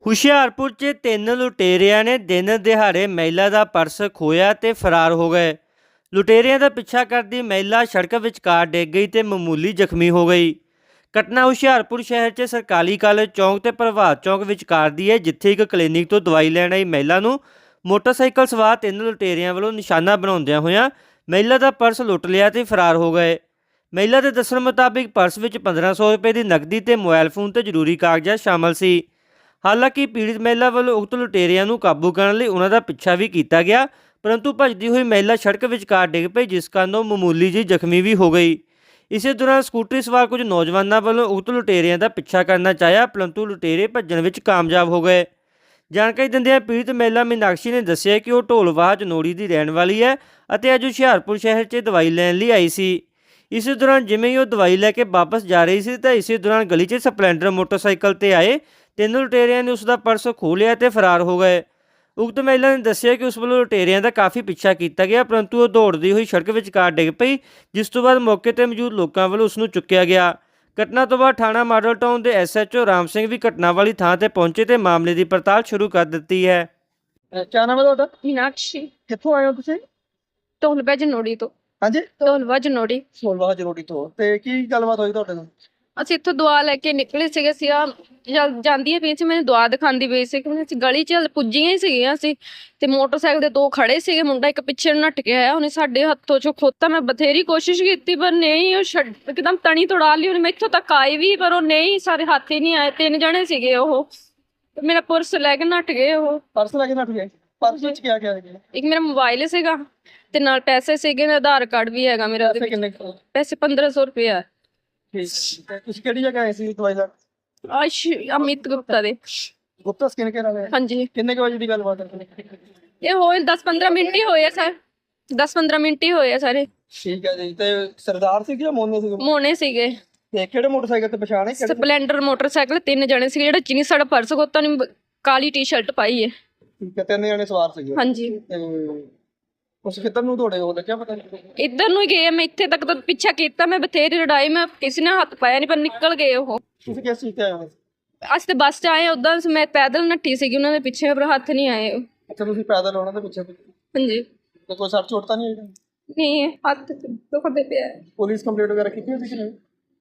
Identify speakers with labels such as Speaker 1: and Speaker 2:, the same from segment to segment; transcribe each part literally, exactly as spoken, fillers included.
Speaker 1: ਹੁਸ਼ਿਆਰਪੁਰ 'ਚ ਤਿੰਨ ਲੁਟੇਰਿਆਂ ਨੇ ਦਿਨ ਦਿਹਾੜੇ ਮਹਿਲਾ ਦਾ ਪਰਸ ਖੋਹਿਆ ਤੇ ਫਰਾਰ ਹੋ ਗਏ। ਲੁਟੇਰਿਆਂ ਦਾ ਪਿੱਛਾ ਕਰਦੀ ਮਹਿਲਾ ਸੜਕ ਵਿਚਕਾਰ ਡਿੱਗ ਗਈ ਤੇ ਮਾਮੂਲੀ ਜ਼ਖਮੀ ਹੋ ਗਈ। ਘਟਨਾ ਹੁਸ਼ਿਆਰਪੁਰ ਸ਼ਹਿਰ 'ਚ ਸਰਕਾਰੀ ਕਾਲਜ ਚੌਂਕ ਤੇ ਪ੍ਰਭਾਤ ਚੌਂਕ ਵਿਚਕਾਰ ਦੀ ਹੈ, ਜਿੱਥੇ ਇੱਕ ਕਲੀਨਿਕ ਤੋਂ ਦਵਾਈ ਲੈਣ ਆਈ ਮਹਿਲਾ ਨੂੰ ਮੋਟਰਸਾਈਕਲ ਸਵਾਰ ਤਿੰਨ ਲੁਟੇਰਿਆਂ ਵੱਲੋਂ ਨਿਸ਼ਾਨਾ ਬਣਾਉਂਦਿਆਂ ਹੋਇਆਂ ਮਹਿਲਾ ਦਾ ਪਰਸ ਲੁੱਟ ਲਿਆ ਤੇ ਫਰਾਰ ਹੋ ਗਏ। ਮਹਿਲਾ ਦੇ ਦੱਸਣ ਮੁਤਾਬਿਕ ਪਰਸ ਵਿੱਚ ਪੰਦਰਾਂ ਸੌ ਰੁਪਏ ਦੀ ਨਕਦੀ ਤੇ ਮੋਬਾਈਲ ਫੋਨ ਤੇ ਜ਼ਰੂਰੀ ਕਾਗਜ਼ਾਤ ਸ਼ਾਮਲ ਸੀ। ਹਾਲਾਂਕਿ ਪੀੜਿਤ ਮਹਿਲਾ ਵੱਲੋਂ ਉਕਤ ਲੁਟੇਰਿਆਂ ਨੂੰ ਕਾਬੂ ਕਰਨ ਲਈ ਉਹਨਾਂ ਦਾ ਪਿੱਛਾ ਵੀ ਕੀਤਾ ਗਿਆ, ਪਰੰਤੂ ਭੱਜਦੀ ਹੋਈ ਮਹਿਲਾ ਸੜਕ ਵਿਚਕਾਰ ਡਿੱਗ ਪਈ, ਜਿਸ ਕਾਰਨ ਉਹ ਮਾਮੂਲੀ ਜਿਹੀ ਜ਼ਖਮੀ ਵੀ ਹੋ ਗਈ। ਇਸੇ ਦੌਰਾਨ ਸਕੂਟਰੀ ਸਵਾਰ ਕੁਝ ਨੌਜਵਾਨਾਂ ਵੱਲੋਂ ਉਕਤ ਲੁਟੇਰਿਆਂ ਦਾ ਪਿੱਛਾ ਕਰਨਾ ਚਾਹਿਆ, ਪਰੰਤੂ ਲੁਟੇਰੇ ਭੱਜਣ ਵਿੱਚ ਕਾਮਯਾਬ ਹੋ ਗਏ। ਜਾਣਕਾਰੀ ਦਿੰਦਿਆਂ ਪੀੜਿਤ ਮਹਿਲਾ ਮੀਨਾਕਸ਼ੀ ਨੇ ਦੱਸਿਆ ਕਿ ਉਹ ਢੋਲਵਾਹ ਜਨੋੜੀ ਦੀ ਰਹਿਣ ਵਾਲੀ ਹੈ ਅਤੇ ਅੱਜ ਹੁਸ਼ਿਆਰਪੁਰ ਸ਼ਹਿਰ 'ਚ ਦਵਾਈ ਲੈਣ ਲਈ ਆਈ ਸੀ। ਇਸੇ ਦੌਰਾਨ ਜਿਵੇਂ ਹੀ ਉਹ ਦਵਾਈ ਲੈ ਕੇ ਵਾਪਸ ਜਾ ਰਹੀ ਸੀ ਤਾਂ ਇਸੇ ਦੌਰਾਨ ਗਲੀ 'ਚ ਸਪਲੈਂਡਰ ਮੋਟਰਸਾਈਕਲ ਤੇ ਆਏ ਤਿੰਨ ਲੁਟੇਰਿਆਂ ਨੇ ਉਸ ਦਾ ਪਰਸ ਖੋਹ ਲਿਆ ਤੇ ਫਰਾਰ ਹੋ ਗਏ। ਉਕਤ ਮਹਿਲਾ ਨੇ ਦੱਸਿਆ ਕਿ ਉਸ ਵੱਲੋਂ ਲੁਟੇਰਿਆਂ ਦਾ ਕਾਫੀ ਪਿੱਛਾ ਕੀਤਾ ਗਿਆ, ਪਰੰਤੂ ਉਹ ਦੌੜਦੀ ਹੋਈ ਸੜਕ ਵਿਚਕਾਰ ਡਿੱਗ ਪਈ, ਜਿਸ ਤੋਂ ਬਾਅਦ ਮੌਕੇ ਤੇ ਮੌਜੂਦ ਲੋਕਾਂ ਵੱਲੋਂ ਉਸ ਨੂੰ ਚੁੱਕਿਆ ਗਿਆ। ਘਟਨਾ ਤੋਂ ਬਾਅਦ ਥਾਣਾ ਮਾਡਲ ਟਾਊਨ ਦੇ S H O Ram Singh ਵੀ ਘਟਨਾ ਵਾਲੀ ਥਾਂ ਤੇ ਪਹੁੰਚੇ ਤੇ ਮਾਮਲੇ ਦੀ ਪੜਤਾਲ ਸ਼ੁਰੂ ਕਰ ਦਿੱਤੀ ਹੈ।
Speaker 2: क्या नाम है ਤੁਹਾਡਾ?
Speaker 3: मीनाक्षी
Speaker 2: ਕਿੱਥੋਂ ਆਏ ਹੋ ਤੁਸੀਂ?
Speaker 3: ਢੋਲਵਾ ਜਨੋੜੀ ਤੋਂ।
Speaker 2: ਹਾਂਜੀ,
Speaker 3: ਢੋਲਵਾ ਜਨੋੜੀ।
Speaker 2: ਸੋਲਵਾਹ ਜਰੋੜੀ ਤੋਂ। ਤੇ ਕੀ ਗੱਲਬਾਤ ਹੋਈ ਤੁਹਾਡੇ ਨਾਲ?
Speaker 3: ਅਸੀਂ ਇੱਥੋਂ ਦੁਆ ਲੈ ਕੇ ਨਿਕਲੇ ਸੀਗੇ। ਅਸੀਂ ਆ ਜਾਂਦੀਆਂ ਪਈ ਸੀ, ਮੈਨੂੰ ਦੁਆ ਦਿਖਾਉਂਦੀ ਪਈ ਸੀ ਕਿ ਅਸੀਂ ਗਲੀ 'ਚ ਪੁੱਜੀਆਂ ਹੀ ਸੀਗੀਆਂ ਅਸੀਂ, ਤੇ ਮੋਟਰਸਾਈਕਲ ਦੇ ਦੋ ਖੜੇ ਸੀਗੇ, ਮੁੰਡਾ ਇੱਕ ਪਿੱਛੇ ਨੂੰ ਨੱਠ ਕੇ ਆਇਆ, ਉਹਨੇ ਸਾਡੇ ਹੱਥੋਂ ਚੋਂ ਖੋਤਾ। ਮੈਂ ਬਥੇਰੀ ਕੋਸ਼ਿਸ਼ ਕੀਤੀ ਪਰ ਨਹੀਂ, ਉਹ ਛੱਡ ਇੱਕਦਮ ਤਣੀ ਤੋੜਾ ਲਈ ਉਹਨੇ। ਮੈਂ ਇੱਥੋਂ ਤੱਕ ਆਈ ਵੀ ਪਰ ਉਹ ਨਹੀਂ, ਸਾਰੇ ਹੱਥ ਹੀ ਨਹੀਂ ਆਏ। ਤਿੰਨ ਜਣੇ ਸੀਗੇ ਉਹ, ਤੇ ਮੇਰਾ ਪਰਸ ਲੈ ਕੇ ਨੱਠ ਗਏ ਉਹ।
Speaker 2: ਪਰਸ ਲੈ ਕੇ ਨੱਠ ਗਏ? ਪਰਸ ਵਿੱਚ ਕੀ ਗਿਆ ਸੀ?
Speaker 3: ਇੱਕ ਮੇਰਾ ਮੋਬਾਈਲ ਸੀਗਾ ਤੇ ਨਾਲ ਪੈਸੇ ਸੀਗੇ, ਨਾਲ ਆਧਾਰ ਕਾਰਡ ਵੀ ਹੈਗਾ ਮੇਰਾ ਉਹਦੇ
Speaker 2: ਪੈਸੇ
Speaker 3: ਵਿੱਚ।
Speaker 2: ਕਿੰਨੇ ਕੁ?
Speaker 3: ਪੈਸੇ ਪੰਦਰਾਂ ਸੌ ਰੁਪਏ ਆ।
Speaker 2: ਠੀਕ। ਤੇ ਤੁਸੀਂ ਕਿਹੜੀ ਜਗ੍ਹਾ ਆਏ ਸੀ ਦਵਾਈ ਲੈਣ?
Speaker 3: ਆਸ਼ ਅਮਿਤ ਗੁਪਤਾ ਦੇ।
Speaker 2: ਗੁਪਤਾ ਸਕਿਨ ਕੇਅਰ ਵਾਲੇ?
Speaker 3: ਹਾਂਜੀ,
Speaker 2: ਕਿੰਨੇ ਕੁ ਵਜੇ ਦੀ ਗੱਲਬਾਤ ਹੈ?
Speaker 3: ਇਹ ਹੋਏ ਦਸ ਪੰਦਰਾਂ ਮਿੰਟ ਹੀ ਹੋਏ ਆ ਸਰ, ਦਸ ਪੰਦਰਾਂ ਮਿੰਟ ਹੀ ਹੋਏ ਆ ਸਾਰੇ।
Speaker 2: ਠੀਕ ਹੈ ਜੀ। ਤੇ ਸਰਦਾਰ ਸੀ ਜਾਂ ਮੋਨੇ ਸੀ?
Speaker 3: ਮੋਨੇ ਸੀਗੇ।
Speaker 2: ਤੇ ਕਿਹੜੇ ਮੋਟਰਸਾਈਕਲ ਤੇ ਪਛਾਣ ਹੈ? ਕਿਹੜੇ?
Speaker 3: ਸਪਲੈਂਡਰ ਮੋਟਰਸਾਈਕਲ, ਤਿੰਨ ਜਣੇ ਸੀਗੇ। ਜਿਹੜਾ ਚੀਨੀ ਸਾਡਾ ਪਰਸ ਖੋਤਾ ਨੇ, ਕਾਲੀ ਟੀ ਸ਼ਰਟ ਪਾਈ ਹੈ।
Speaker 2: ਠੀਕ ਹੈ, ਤਿੰਨ ਜਣੇ ਸਵਾਰ ਸੀਗੇ।
Speaker 3: ਹਾਂਜੀ।
Speaker 2: ਤੇ ਉਸ ਕਿੱਧਰ ਨੂੰ ਦੌੜੇ ਹੋ ਲੱਗਿਆ ਪਤਾ ਨਹੀਂ?
Speaker 3: ਇੱਧਰ ਨੂੰ ਹੀ ਗਏ। ਮੈਂ ਇੱਥੇ ਤੱਕ ਤਾਂ ਪਿੱਛਾ ਕੀਤਾ, ਮੈਂ ਬਥੇਰੀ ਲੜਾਈ, ਮੈਂ ਕਿਸੇ ਨੇ ਹੱਥ ਪਾਇਆ ਨਹੀਂ, ਪਰ ਨਿਕਲ ਗਏ ਉਹ।
Speaker 2: ਤੁਸੀਂ ਕਿਸ ਚੀਜ਼ ਤੇ ਆਏ ਹੋ?
Speaker 3: ਅਸੀਂ ਤੇ ਬੱਸ 'ਚ ਆਏ, ਉਦਾਂ ਮੈਂ ਪੈਦਲ ਨੱਠੀ ਸੀਗੀ ਉਹਨਾਂ ਦੇ ਪਿੱਛੇ, ਪਰ ਹੱਥ ਨਹੀਂ ਆਏ ਉਹ।
Speaker 2: ਅੱਛਾ, ਤੁਸੀਂ ਪੈਦਲ ਉਹਨਾਂ ਦੇ ਪਿੱਛੇ?
Speaker 3: ਹਾਂਜੀ।
Speaker 2: ਤੇ ਕੋਈ ਸੱਟ ਚੋਟ ਤਾਂ ਨਹੀਂ ਹੋਈ?
Speaker 3: ਨਹੀਂ, ਹੱਥ ਦੁਖਦੇ ਪਿਆ।
Speaker 2: ਪੁਲਿਸ ਕੰਪਲੇਂਟ ਵਗੈਰਾ ਕੀਤੀ ਹੋਈ ਸੀ ਕਿ ਨਹੀਂ?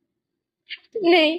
Speaker 3: ਨਹੀਂ।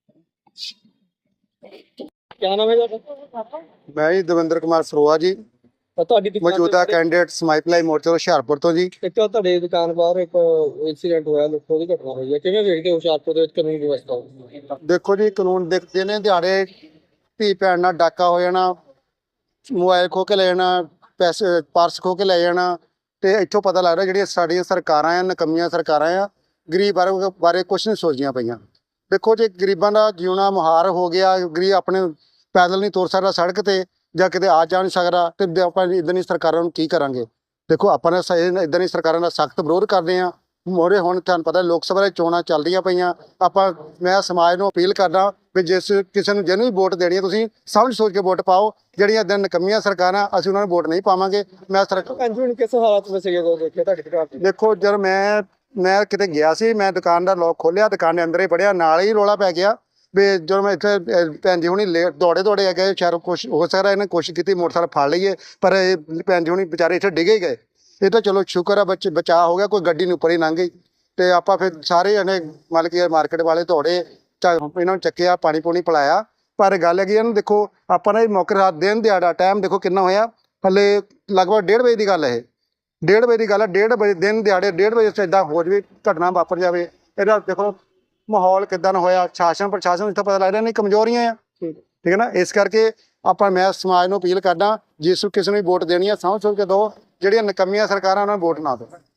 Speaker 2: क्या नाम है ਤੁਹਾਡਾ?
Speaker 4: मैं जी दविंदर कुमार सरोआ जी,
Speaker 2: ਤੁਹਾਡੀ ਦੁਕਾਨ
Speaker 4: मौजूदा कैंडिडेट समाई मोर्चा हुशियारपुर तो जी।
Speaker 2: ਇੱਕ ਤਾਂ ਤੁਹਾਡੇ ਦੁਕਾਨ ਬਾਹਰ ਇੱਕ ਇਨਸੀਡੈਂਟ ਹੋਇਆ, ਲੁੱਟੋ ਦੀ ਘਟਨਾ ਹੋਈ ਹੈ, ਕਿਵੇਂ ਵੇਖਦੇ ਹੋ ਹੁਸ਼ਿਆਰਪੁਰ ਦੇ ਵਿੱਚ ਕਾਨੂੰਨ ਵਿਵਸਥਾ?
Speaker 4: देखो जी, कानून देख दिने दिहाड़े धी भैन नाल डाका हो जाना, मोबाइल खो के ले जाना, पैसे पर्स खो के ले जाना, ਤੇ ਇੱਥੋਂ ਪਤਾ ਲੱਗਦਾ ਜਿਹੜੀਆਂ ਸਾਡੀਆਂ ਸਰਕਾਰਾਂ ਆ, ਨਕਮੀਆਂ ਸਰਕਾਰਾਂ ਆ, ਗਰੀਬ ਬਾਰੇ ਬਾਰੇ ਕੁਛ ਨਹੀਂ ਸੋਚਦੀਆਂ ਪਈਆਂ। ਦੇਖੋ ਜੀ, ਗਰੀਬਾਂ ਦਾ ਜਿਉਣਾ ਮੁਹਾਰ ਹੋ ਗਿਆ। ਗਰੀਬ ਆਪਣੇ ਪੈਦਲ ਨਹੀਂ ਤੁਰ ਸਕਦਾ ਸੜਕ ਤੇ, ਜਾਂ ਕਿਤੇ ਆ ਜਾ ਨਹੀਂ ਸਕਦਾ, ਤੇ ਆਪਾਂ ਇੱਦਾਂ ਦੀ ਸਰਕਾਰਾਂ ਨੂੰ ਕੀ ਕਰਾਂਗੇ? ਦੇਖੋ, ਆਪਾਂ ਨੇ ਇੱਦਾਂ ਦੀ ਸਰਕਾਰਾਂ ਦਾ ਸਖਤ ਵਿਰੋਧ ਕਰਦੇ ਹਾਂ। ਮੋਰੇ ਹੁਣ ਤੁਹਾਨੂੰ ਪਤਾ ਲੋਕ ਸਭਾ ਦੀਆਂ ਚੋਣਾਂ ਚੱਲਦੀਆਂ ਪਈਆਂ। ਆਪਾਂ ਮੈਂ ਸਮਾਜ ਨੂੰ ਅਪੀਲ ਕਰਦਾ ਵੀ ਜਿਸ ਕਿਸੇ ਨੂੰ ਜਿਹਨੂੰ ਵੀ ਵੋਟ ਦੇਣੀ ਹੈ, ਤੁਸੀਂ ਸਮਝ ਸੋਚ ਕੇ ਵੋਟ ਪਾਓ। ਜਿਹੜੀਆਂ ਇੱਦਾਂ ਨਕਮੀਆਂ ਸਰਕਾਰਾਂ, ਅਸੀਂ ਉਹਨਾਂ ਨੂੰ ਵੋਟ ਨਹੀਂ ਪਾਵਾਂਗੇ। ਮੈਂ ਸਰਕਾਰ
Speaker 2: ਕਿਸ ਹਾਲਾਤ ਵਿੱਚ ਸੀਗੇ ਜਦੋਂ ਦੇਖਿਆ ਤੁਹਾਡੀ ਦੁਕਾਨ ਤੇ?
Speaker 4: ਦੇਖੋ, ਜਦ ਮੈਂ ਮੈਂ ਕਿਤੇ ਗਿਆ ਸੀ, ਮੈਂ ਦੁਕਾਨ ਦਾ ਲੋਕ ਖੋਲ੍ਹਿਆ, ਦੁਕਾਨ ਦੇ ਅੰਦਰ ਹੀ ਵੜਿਆ, ਨਾਲ ਹੀ ਰੌਲਾ ਪੈ ਗਿਆ ਵੀ ਜਦੋਂ ਮੈਂ ਇੱਥੇ ਭੈਣ ਜੀ ਹੁਣੀ ਲੇਟ ਦੌੜੇ ਦੌੜੇ ਆ ਗਏ। ਸ਼ਾਇਦ ਕੁਛ ਹੋ ਸਕਦਾ ਇਹਨੇ ਕੋਸ਼ਿਸ਼ ਕੀਤੀ ਮੋਟਰਸਾਈਕਲ ਫੜ ਲਈਏ, ਪਰ ਇਹ ਭੈਣ ਜੀ ਹੁਣੀ ਵਿਚਾਰੇ ਇੱਥੇ ਡਿੱਗੇ ਹੀ ਗਏ। ਇਹ ਤਾਂ ਚਲੋ ਸ਼ੁਕਰ ਆ ਬੱਚੇ ਬਚਾਅ ਹੋ ਗਿਆ, ਕੋਈ ਗੱਡੀ ਨੂੰ ਉੱਪਰ ਹੀ ਲੰਘ ਗਈ। ਤੇ ਆਪਾਂ ਫਿਰ ਸਾਰੇ ਜਣੇ ਮਤਲਬ ਕਿ ਮਾਰਕੀਟ ਵਾਲੇ ਦੌੜੇ, ਇਹਨਾਂ ਨੂੰ ਚੱਕਿਆ, ਪਾਣੀ ਪੂਣੀ ਪਿਲਾਇਆ। ਪਰ ਗੱਲ ਹੈਗੀ ਇਹਨੂੰ, ਦੇਖੋ ਆਪਾਂ ਨੇ ਮੌਕੇ ਰਾਤ ਦਿਨ ਦਿਹਾੜਾ ਟਾਈਮ ਦੇਖੋ ਕਿੰਨਾ ਹੋਇਆ, ਹਲੇ ਲਗਭਗ ਡੇਢ ਵਜੇ ਦੀ ਗੱਲ ਹੈ। ਇਹ ਡੇਢ ਵਜੇ ਦੀ ਗੱਲ ਹੈ। ਡੇਢ ਵਜੇ ਦਿਨ ਦਿਹਾੜੇ ਡੇਢ ਵਜੇ ਇੱਦਾਂ ਹੋ ਜਾਵੇ, ਘਟਨਾ ਵਾਪਰ ਜਾਵੇ। ਇਹਦਾ ਦੇਖੋ ਮਾਹੌਲ ਕਿੱਦਾਂ ਦਾ ਹੋਇਆ। ਸ਼ਾਸਨ ਪ੍ਰਸ਼ਾਸਨ ਇੱਥੋਂ ਪਤਾ ਲੱਗਦਾ ਨਹੀਂ ਕਮਜ਼ੋਰੀਆਂ ਆ, ਠੀਕ ਹੈ ਨਾ। ਇਸ ਕਰਕੇ ਆਪਾਂ ਮੈਂ ਸਮਾਜ ਨੂੰ ਅਪੀਲ ਕਰਦਾ, ਜਿਸ ਕਿਸੇ ਨੂੰ ਵੀ ਵੋਟ ਦੇਣੀ ਆ ਸਮਝ ਸੋਚ ਕੇ ਦਿਓ। ਜਿਹੜੀਆਂ ਨਕਮੀਆਂ ਸਰਕਾਰਾਂ ਉਹਨਾਂ ਨੂੰ ਵੋਟ ਨਾ ਦਿਓ।